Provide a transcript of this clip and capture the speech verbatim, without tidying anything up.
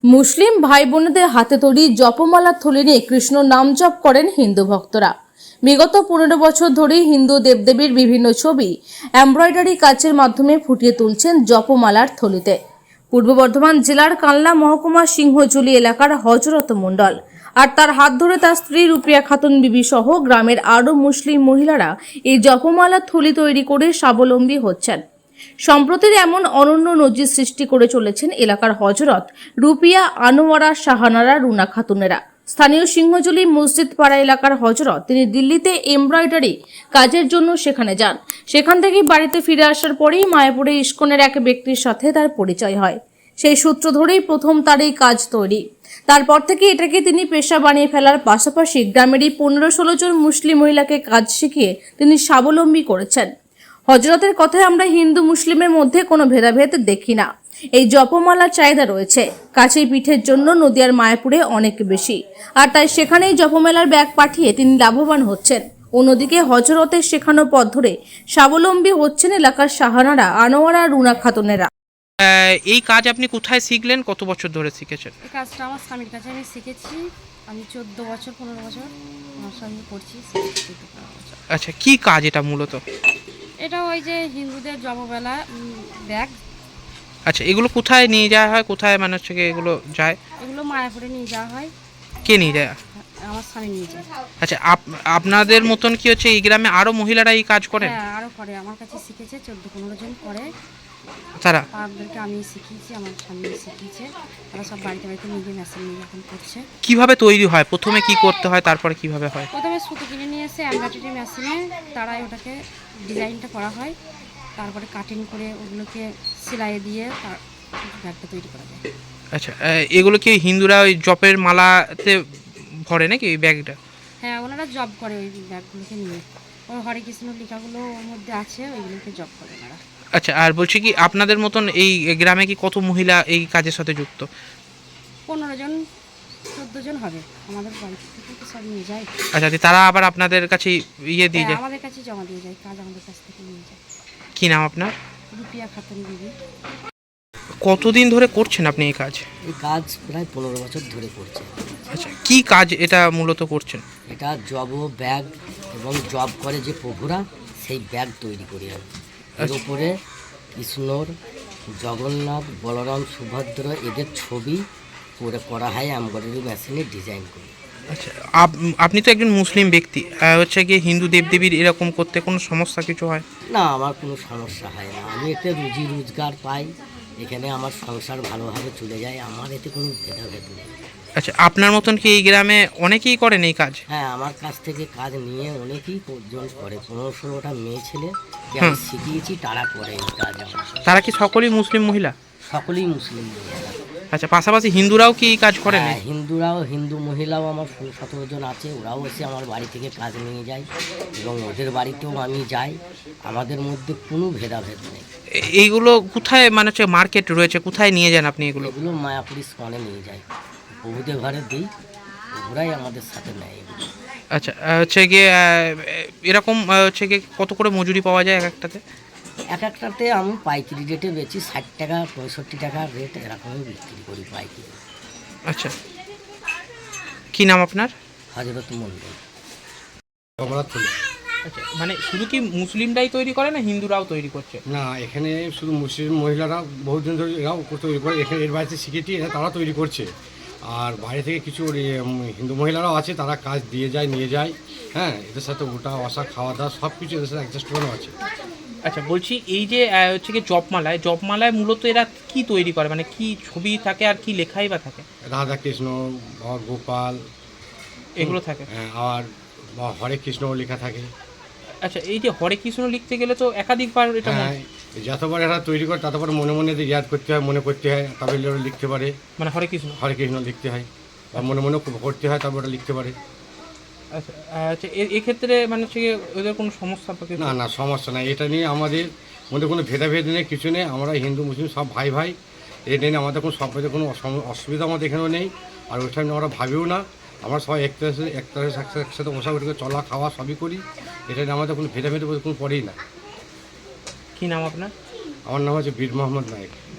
মুসলিম ভাই বোনদের হাতে তৈরি জপমালার থলি নিয়ে কৃষ্ণ নাম জপ করেন হিন্দু ভক্তরা। বিগত পনেরো বছর ধরেই হিন্দু দেবদেবীর বিভিন্ন ছবি এমব্রয়ডারি কাজের মাধ্যমে ফুটিয়ে তুলছেন জপমালার থলিতে। পূর্ব বর্ধমান জেলার কালনা মহকুমা সিংহজুলি এলাকার হযরত মণ্ডল আর তার হাত ধরে তার স্ত্রী রুপিয়া খাতুন বিবি সহ গ্রামের আরও মুসলিম মহিলারা এই জপমালার থলি তৈরি করে স্বাবলম্বী হচ্ছেন। সম্প্রতির এমন অনন্য নজির সৃষ্টি করে চলেছেন এলাকার হযরত রুপিয়া, আনোয়ারা, শাহানারা, রুনা খাতুনেরা। স্থানীয় সিংহজুলি মসজিদ পাড়া এলাকার হযরত তিনি দিল্লিতে এমব্রয়ডারি কাজের জন্য সেখানে যান। সেখান থেকে বাড়িতে ফিরে আসার পরেই মায়াপুরে ইস্কনের এক ব্যক্তির সাথে তার পরিচয় হয়। সেই সূত্র ধরেই প্রথম তার এই কাজ তৈরি। তারপর থেকে এটাকে তিনি পেশা বানিয়ে ফেলার পাশাপাশি গ্রামেরই পনেরো ষোলো জন মুসলিম মহিলাকে কাজ শিখিয়ে তিনি স্বাবলম্বী করেছেন। হযরতের কথায় আমরা হিন্দু মুসলিমের মধ্যে কোনো ভেদাভেদ দেখি না। এই জপমালার চাহিদা রয়েছে কাছেই পিঠের জন্য নদিয়ার মায়াপুরে অনেক বেশি, আর তাই সেখানেই জপমেলার ব্যাগ পাঠিয়ে তিনি লাভবান হচ্ছেন। অন্যদিকে হযরতের শেখানো পথ ধরে স্বাবলম্বী হচ্ছেন এলাকার শাহানারা, আনোয়ারা, রুনা খাতুনেরা। এই কাজ আপনি কোথায় শিখলেন, কত বছর ধরে শিখেছেন? এই কাজটা আমার স্বামীর কাছে আমি শিখেছি। আমি চোদ্দ বছর পনেরো বছর আমার স্বামী করছি। আচ্ছা, কি কাজ এটা মূলত? এটা ওই যে হিন্দুদের জপমেলা ব্যাগ। আচ্ছা, এগুলো কোথায় নিয়ে যাওয়া হয়, কোথায় মানে হচ্ছে কি এগুলো যায়? এগুলো মায়াপুরে নিয়ে যাওয়া হয়। কে নিয়ে যায়? আমার স্বামী নিয়ে যায়। আচ্ছা, আপনাদের মতন কি হচ্ছে এই গ্রামে আরো মহিলারা এই কাজ করেন? হ্যাঁ, আরও করে। আমার কাছে শিখেছে চোদ্দো পনেরো জন করে। তারা তাদেরকে আমি শিখিয়েছি, আমার স্বামী শিখিয়েছে। তারা সব বাড়িতে বাড়িতে নিজে মেশিন নিয়ে এখন করছে। কিভাবে তৈরি হয়, প্রথমে কি করতে হয়, তারপরে কিভাবে হয়? প্রথমে সুতো কিনে নিয়ে এসে এমব্রয়ডারি মেশিনে তারাই ওটাকে ডিজাইনটা করা হয়। তারপরে কাটিং করে ওগুলোকে সেলাই দিয়ে তার ব্যাগটা তৈরি করা যায়। আচ্ছা, এগুলো কি হিন্দুরা ওই জপের মালাতে ভরে নাকি ওই ব্যাগটা? হ্যাঁ, ওনারা জব করে ওই ব্যাগগুলোকে নিয়ে। ওর হরে কৃষ্ণ লেখাগুলো ওর মধ্যে আছে, ওইগুলোকে জব করে ওনারা। আচ্ছা, আর বলছি কি আপনাদের মতন এই গ্রামে কি কত মহিলা এই কাজের সাথে যুক্ত? পনেরো জন চোদ্দো জন হবে। আমাদের বাড়ি থেকে তো সব নিয়ে যায়। আচ্ছা, তারা আবার আপনাদের কাছে ইয়ে দিয়ে যায়? আমাদের কাছে জমা দিয়ে যায়, কাজ আমাদের কাছ থেকে নিয়ে যায়। কি নাম আপনার? রুপিয়া খাতুন বিবি। কতদিন ধরে করছেন আপনি এই কাজ? এই কাজ প্রায় পনেরো বছর ধরে করছে। আচ্ছা, কি কাজ এটা মূলত করছেন? এটা জব ব্যাগ এবং জব করে যে প্রভুরা সেই ব্যাগ তৈরি করি আমি। এর উপরে কৃষ্ণর, জগন্নাথ, বলরাম, সুভদ্র এদের ছবি করে করা হয় এমব্রয়ডারি মেশিনে ডিজাইন করি। আচ্ছা, আপনি তো একজন মুসলিম ব্যক্তি, হচ্ছে কি হিন্দু দেবদেবীর এরকম করতে কোনো সমস্যা কিছু হয় না? আমার কোনো সমস্যা হয় না। আমি এতে রুজি রোজগার পাই, এখানে আমার সংসার ভালোভাবে চলে যায়, আমার এতে কোনো ভেদাভেদ নেই। আচ্ছা, আপনার মতন কি এই গ্রামে অনেকেই করেন এই কাজ? হ্যাঁ, আমার কাছ থেকে কাজ নিয়ে অনেকেই জন করে। পনেরো ষোলোটা মেয়ে ছেলে আমি শিখিয়েছি, তারা করে এই কাজ। তারা কি সকলেই মুসলিম মহিলা? সকলেই মুসলিম মহিলা। আচ্ছা, পাশাপাশি হিন্দুরাও কি এই কাজ করেন? হ্যাঁ, হিন্দুরাও, হিন্দু মহিলাও আমার ষোলো সতেরো জন আছে, ওরাও এসে আমার বাড়ি থেকে কাজ নিয়ে যায় এবং ওদের বাড়িতেও আমি যাই। আমাদের মধ্যে কোনো ভেদাভেদ নেই। এইগুলো কোথায় মানে হচ্ছে মার্কেট রয়েছে, কোথায় নিয়ে যান আপনি এগুলো? এগুলো মায়াপুর ইস্কনে নিয়ে যাই, প্রভুদের ঘরে দিই, ওরাই আমাদের সাথে নেয় এগুলো। আচ্ছা, হচ্ছে গিয়ে এরকম হচ্ছে গিয়ে কত করে মজুরি পাওয়া যায় এক একটাতে? এক একটাতে আমি পাইকারি রেটে বেচি, ষাট টাকা পঁয়ষট্টি টাকার রেট এরকমই বিক্রি করি পাইকারি। আচ্ছা, কি নাম আপনার? হযরত মণ্ডল। আচ্ছা, মানে শুধু কি মুসলিমরাই তৈরি করে না হিন্দুরাও তৈরি করছে? না, এখানে শুধু মুসলিম মহিলারা বহুজন ধরে এরাও তৈরি করে। এখানে এর বাড়িতে শিখেছি, এরা তারা তৈরি করছে। আর বাইরে থেকে কিছু হিন্দু মহিলারাও আছে, তারা কাজ দিয়ে যায়, নিয়ে যায়। হ্যাঁ, এদের সাথে ওটা বসা, খাওয়া দাওয়া সব কিছু এদের সাথে অ্যাডজাস্ট করানো আছে। আচ্ছা, বলছি এই যে হচ্ছে কি জপমালায় জপমালায় মূলত এরা কি তৈরি করে, মানে কি ছবি থাকে আর কি লেখাই বা থাকে? রাধা কৃষ্ণ, গোপাল এগুলো থাকে। হ্যাঁ, আর হরে কৃষ্ণ লেখা থাকে। আচ্ছা, এই যে হরে কৃষ্ণ লিখতে গেলে তো একাধিকবার এটা? হ্যাঁ, যতবার এরা তৈরি করে ততবার মনে মনে ইয়াদ করতে হয়, মনে করতে হয়, তবে লিখতে পারে। মানে হরে কৃষ্ণ হরে কৃষ্ণ লিখতে হয় বা মনে মনে করতে হয়, তবে ওটা লিখতে পারে। আচ্ছা, আচ্ছা, এক্ষেত্রে মানে হচ্ছে ওদের কোনো সমস্যা? না না, সমস্যা নাই। এটা নিয়ে আমাদের মধ্যে কোনো ভেদাভেদ নেই, কিছু নেই। আমরা হিন্দু মুসলিম সব ভাই ভাই। এটা নিয়ে আমাদের কোনো সম্পর্কে কোনো অসুবিধা আমাদের এখানেও নেই, আর ওইটা নিয়ে আমরা ভাবিও না। আমরা সবাই একটা একটা একসাথে বসা করে চলা খাওয়া সবই করি। এটা নিয়ে আমাদের কোনো ভেদাভেদ কোনো পড়েই না। কী নাম আপনার? আমার নাম হচ্ছে বীর মোহাম্মদ নায়েক।